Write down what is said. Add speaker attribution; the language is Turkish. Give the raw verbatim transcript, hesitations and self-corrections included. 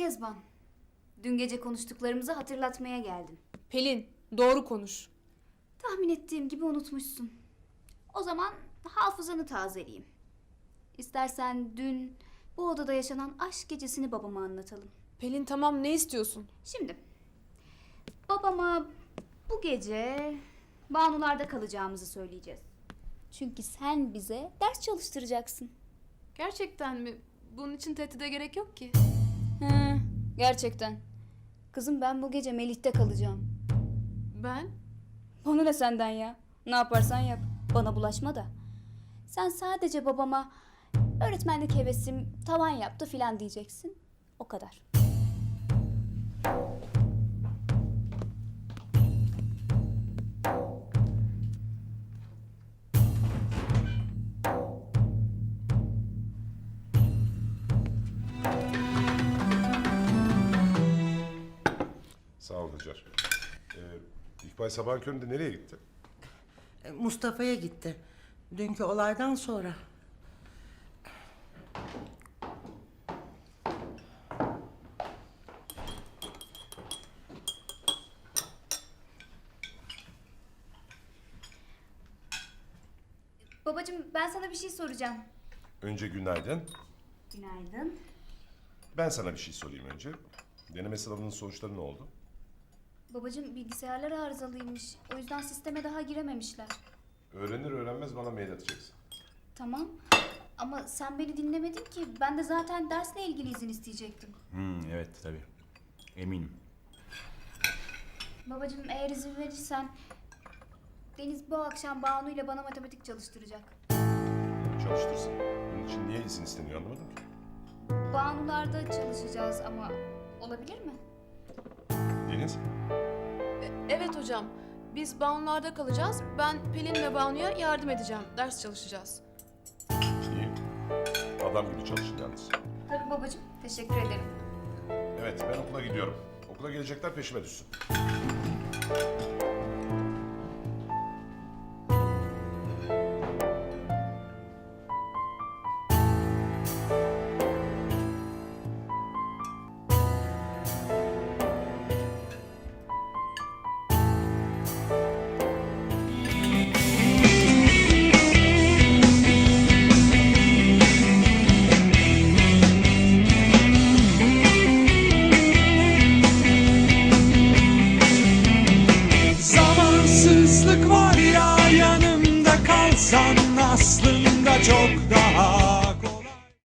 Speaker 1: Kezban. Dün gece konuştuklarımızı hatırlatmaya geldim.
Speaker 2: Pelin, doğru konuş.
Speaker 1: Tahmin ettiğim gibi unutmuşsun. O zaman hafızanı tazeleyeyim. İstersen dün bu odada yaşanan aşk gecesini babama anlatalım.
Speaker 2: Pelin tamam, ne istiyorsun?
Speaker 1: Şimdi babama bu gece Banular'da kalacağımızı söyleyeceğiz. Çünkü sen bize ders çalıştıracaksın.
Speaker 2: Gerçekten mi? Bunun için tehdide gerek yok ki.
Speaker 1: Hı, gerçekten. Kızım ben bu gece Melih'te kalacağım.
Speaker 2: Ben?
Speaker 1: Bana ne senden ya? Ne yaparsan yap. Bana bulaşma da. Sen sadece babama öğretmenlik hevesim tavan yaptı filan diyeceksin. O kadar.
Speaker 3: Sağ ol Hacer. Ee, İkbal sabahın köründe nereye gitti?
Speaker 4: Mustafa'ya gitti. Dünkü olaydan sonra.
Speaker 1: Babacığım ben sana bir şey soracağım.
Speaker 3: Önce günaydın.
Speaker 1: Günaydın.
Speaker 3: Ben sana bir şey sorayım önce. Deneme sınavının sonuçları ne oldu?
Speaker 1: Babacığım bilgisayarlar arızalıymış. O yüzden sisteme daha girememişler.
Speaker 3: Öğrenir öğrenmez bana mail atacaksın.
Speaker 1: Tamam. Ama sen beni dinlemedin ki. Ben de zaten dersle ilgili izin isteyecektim.
Speaker 5: Hmm, evet tabii. Eminim.
Speaker 1: Babacığım eğer izin verirsen Deniz bu akşam Banu ile bana matematik çalıştıracak.
Speaker 3: Çalıştırsın. Bunun için niye izin isteniyor anlamadım ki.
Speaker 1: Banular'da çalışacağız ama olabilir mi?
Speaker 3: Deniz,
Speaker 2: E, evet hocam. Biz Banular'da kalacağız. Ben Pelin ve Banu'ya yardım edeceğim. Ders çalışacağız.
Speaker 3: iyi. Adam gibi çalışın yalnız.
Speaker 1: Tabii babacığım. Teşekkür ederim.
Speaker 3: Evet, ben okula gidiyorum. Okula gelecekler peşime düşsün.
Speaker 6: Zamansızlık var ya, yanımda kalsan aslında çok daha